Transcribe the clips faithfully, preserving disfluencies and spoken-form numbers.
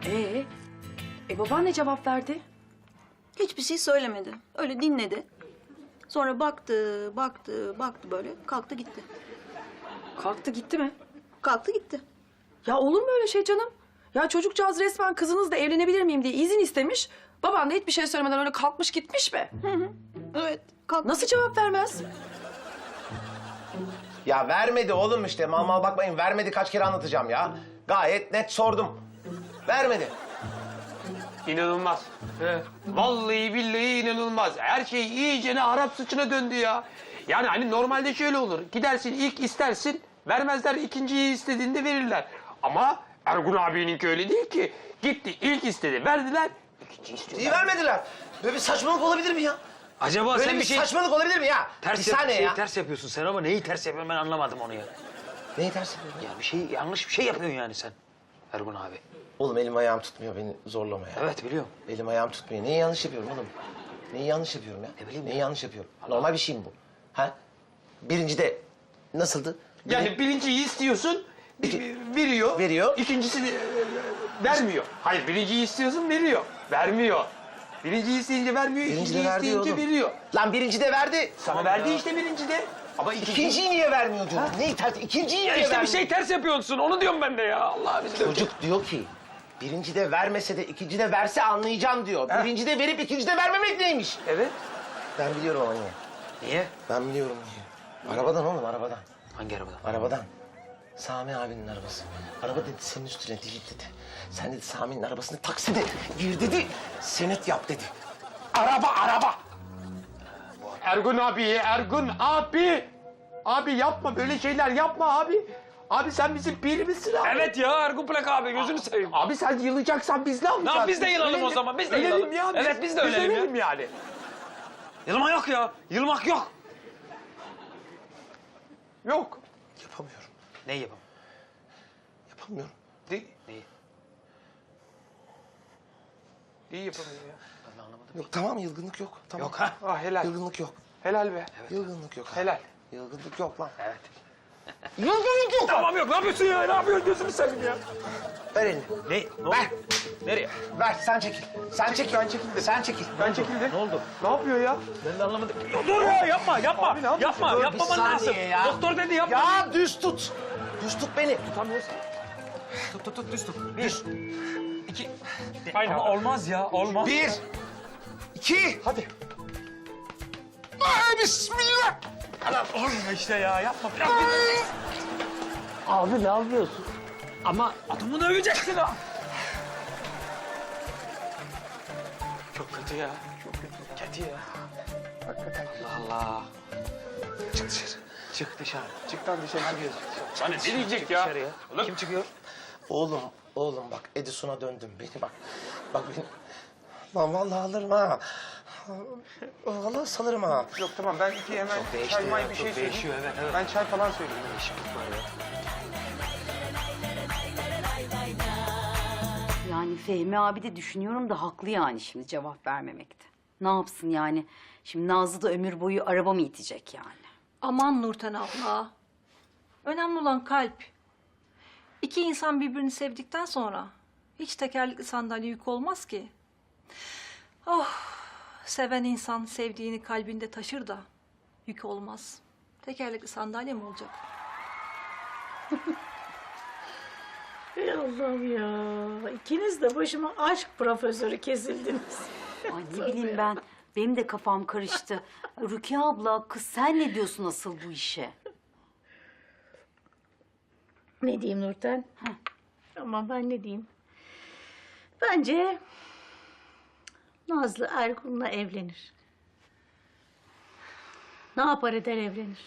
Ee, e baban ne cevap verdi? Hiçbir şey söylemedi. Öyle dinledi. Sonra baktı, baktı, baktı böyle. Kalktı gitti. Kalktı gitti mi? Kalktı gitti. Ya olur mu öyle şey canım? Ya çocukcağız resmen kızınızla evlenebilir miyim diye izin istemiş. Baban da hiçbir şey söylemeden öyle kalkmış gitmiş mi? Hı hı. Evet. Kalktı. Nasıl cevap vermez? Ya vermedi oğlum işte. Mal mal bakmayın. Vermedi, kaç kere anlatacağım ya. Gayet net sordum. Vermedi. İnanılmaz. He. Vallahi billahi inanılmaz. Her şey iyicene Arap sıçına döndü ya. Yani hani normalde şöyle olur. Gidersin ilk istersin, vermezler, ikinciyi istediğinde verirler. Ama Ergun abininki öyle değil ki. Gitti ilk istedi, verdiler, ikinci istiyor. İyi vermediler. Böyle bir saçmalık olabilir mi ya? Acaba Böyle sen bir bir şey saçmalık olabilir mi ya? ters, bir yap- saniye şey ya. ters yapıyorsun sen ama neyi ters yapıyorsun ben anlamadım onu ya. Neyi ters yapıyorum? Ya bir şey yanlış bir şey yapıyorsun yani sen Ergun abi. Oğlum elim ayağım tutmuyor, beni zorlama ya. Evet biliyorum. Elim ayağım tutmuyor. Neyi yanlış yapıyorum oğlum? Neyi yanlış yapıyorum ya? Ne bileyim Neyi ya. yanlış yapıyorum? Normal bir şey mi bu? Ha? Birinci de nasıldı? Yani birinciyi istiyorsun, İki- veriyor. Veriyor. İkincisi de, e, vermiyor. Hayır, birinciyi istiyorsun, veriyor. Vermiyor. Birinciyi isteyince vermiyor, Birinci de ikinciyi verdi isteyince oğlum. veriyor. Lan birinci de verdi. Ama verdi işte birinci de. Ama ikinci... İkinciyi niye vermiyor diyorum. Neyi ters? İkinciyi Ya niye işte bir vermiyor? şey ters yapıyorsun, onu diyorum ben de ya. Allah bizi Çocuk diyor ki, birinci de vermese de ikinci de verse anlayacağım diyor. Birinci de verip ikinci de vermemek neymiş? Evet. Ben biliyorum ama niye. Niye? Ben biliyorum niye. Arabadan oğlum, arabadan. Hangi arabadan? Arabadan. Sami abinin arabası. Araba dedi senin üstüne değil dedi. Sen dedi Sami'nin arabasını takside gir dedi. Senet yap dedi. Araba, araba. Ergun abi, Ergun abi. Abi yapma, böyle şeyler yapma abi. Abi sen bizim pirimizsin abi. Evet ya Ergun Plak abi gözünü seveyim. Abi sen yılacaksan biz ne yapacağız? Lan biz de yılalım o zaman, biz de Ölelim yılalım. ya. Evet, biz de ölelim ya. ölelim yani. Yılma yok ya. Yılmak yok. Yok. Yapamıyorum, Neyi yapalım? yapamıyorum. Neyi? Neyi? Neyi yapamıyor ya? Ben de anlamadım. Yok tamam, yılgınlık yok. Tamam. Yok ha. Ah helal. Yılgınlık yok. Helal be. Yılgınlık yok. Helal. Yılgınlık yok lan. Evet. Yılgınlık yok. Tamam yok. Ne yapıyorsun ya? Ne yapıyorsun? Gözünü seveyim ya. Ver elini. Ne? Ne oldu? Ver. Nereye? Ver, sen çekil. Sen çekil. Ben çekildim. Sen çekil. Ben çekildim. Ne oldu? Ne yapıyor ya? Ben de anlamadım. Dur ya yapma yapma. Abi ne yapıyorsun? Yapma Dur, bir yapmaman saniye lazım. ya. Doktor dedi yapma. Ya düz tut. Düz tut beni. Tutamıyorsun. Tut tut tut düz tut. Düz. İki. Aynen. Ama olmaz ya olmaz. Bir. İki. Hadi. Ay, bismillah. Olmuyor işte ya yapma. Biraz Abi ne yapıyorsun? Ama adamı döveceksin ha. Çok kötü ya. Çok kötü. Kötü ya. Hakikaten. Allah Allah. Çık dışarı. Çık dışarı. Çık lan dışarı gidiyorsun. Sana ne diyecek Çık ya? dışarıya. Kim çıkıyor? Oğlum, oğlum bak Edison'a döndüm beni bak. Bak beni. Lan vallahi alırım ha. Vallahi salırım ha. Yok tamam ben iki hemen Çok değişti çay may ya, bir çok şey değişiyor, söyleyeyim. evet, evet. Ben çay falan söyleyeyim. Değişiklik var ya. Yani Fehmi abi de düşünüyorum da haklı yani şimdi cevap vermemekte. Ne yapsın yani? Şimdi Nazlı da ömür boyu araba mı itecek yani? Aman Nurten abla. Önemli olan kalp. İki insan birbirini sevdikten sonra hiç tekerlekli sandalye yük olmaz ki. Oh, seven insan sevdiğini kalbinde taşır da yük olmaz. Tekerlekli sandalye mi olacak? Ey Allah'ım ya. İkiniz de başıma aşk profesörü kesildiniz. Ay ne bileyim ben. Benim de kafam karıştı. Rukiye abla kız sen ne diyorsun asıl bu işe? Ne diyeyim Nurten? Ama ben ne diyeyim? Bence Nazlı Ergun'la evlenir. Ne yapar eder evlenir.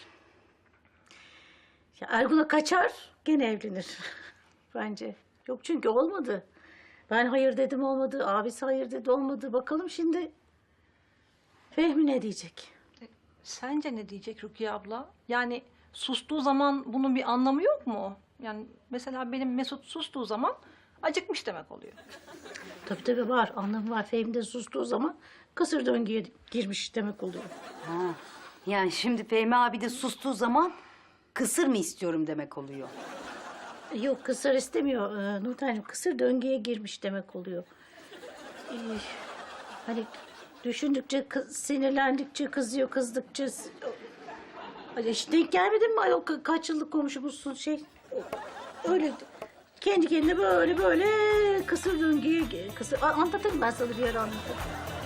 Ya Ergun'a kaçar gene evlenir. Bence. Yok çünkü olmadı. Ben hayır dedim olmadı. Abisi hayır dedi olmadı. Bakalım şimdi Fehmi ne diyecek? Sence ne diyecek Rukiye abla? Yani sustuğu zaman bunun bir anlamı yok mu? Yani mesela benim Mesut sustuğu zaman acıkmış demek oluyor. Tabii tabii var. Anlamı var. Fehmi de sustuğu zaman kısır döngüye girmiş demek oluyor. Ha. Yani şimdi Fehmi abi de sustuğu zaman kısır mı istiyorum demek oluyor. Yok kısır istemiyor ee, Nurten'cim. Kısır döngüye girmiş demek oluyor. Ee, hani düşündükçe, kız, sinirlendikçe kızıyor, kızdıkça... Hani hiç denk gelmedin mi ayol? Ka- Kaç yıllık komşumuzsun şey. Öyle kendi kendine böyle böyle kısır döngüye... Kısır... A- Anlatırım ben sana bir ara anlatırım.